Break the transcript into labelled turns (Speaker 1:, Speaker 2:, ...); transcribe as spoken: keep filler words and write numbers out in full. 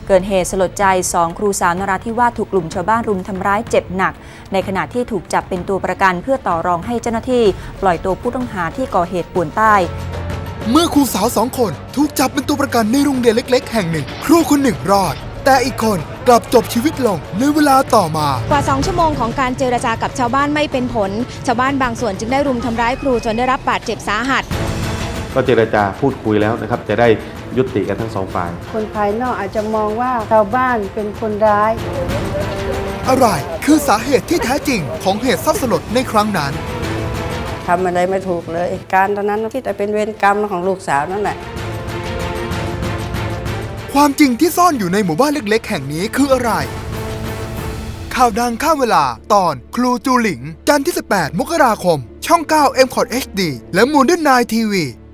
Speaker 1: เกิดเหตุสลดใจสองครูสาวนราธิวาสถูกกลุ่มชาวบ้านรุมทำร้ายเจ็บหนักในขณะที่ถูกจับเป็นตัวประกันเพื่อต่อรองให้เจ้าหน้าที่ปล่อยตัวผู้ต้องหาที่ก่อเหตุป่วนใต้
Speaker 2: เมื่อครูสาวสองคนถูกจับเป็นตัวประกันในโรงเรียนเล็กๆแห่งหนึ่งครูคนหนึ่งรอดแต่อีกคนกลับจบชีวิตลงในเวลาต่อมาก
Speaker 3: ว่าสองชั่วโมงของการเจรจากับชาวบ้านไม่เป็นผลชาวบ้านบางส่วนจึงได้รุมทำร้ายครูจนได้รับบาดเจ็บสาหัส
Speaker 4: ก็เจรจาพูดคุยแล้วนะครับจะได้ยุติกันทั้งสองฝ่าย
Speaker 5: คนภายนอกอาจจะมองว่าชาวบ้านเป็นคนร้าย
Speaker 2: อะไรคือสาเหตุที่แท้จริงของเหตุเศร้าสลดในครั้งนั้น
Speaker 5: ทำอะไรไม่ถูกเลยการตอนนั้นคิดแต่เป็นเวรกรรมของลูกสาวนั่นแหละ
Speaker 2: ความจริงที่ซ่อนอยู่ในหมู่บ้านเล็กๆแห่งนี้คืออะไรข่าวดังข้ามเวลาตอนครูจูหลิงจันทร์ที่สิบแปดมกราคมช่องเก้า เอ็ม คอท เอช ดี และ Modern ไนน์ ที วี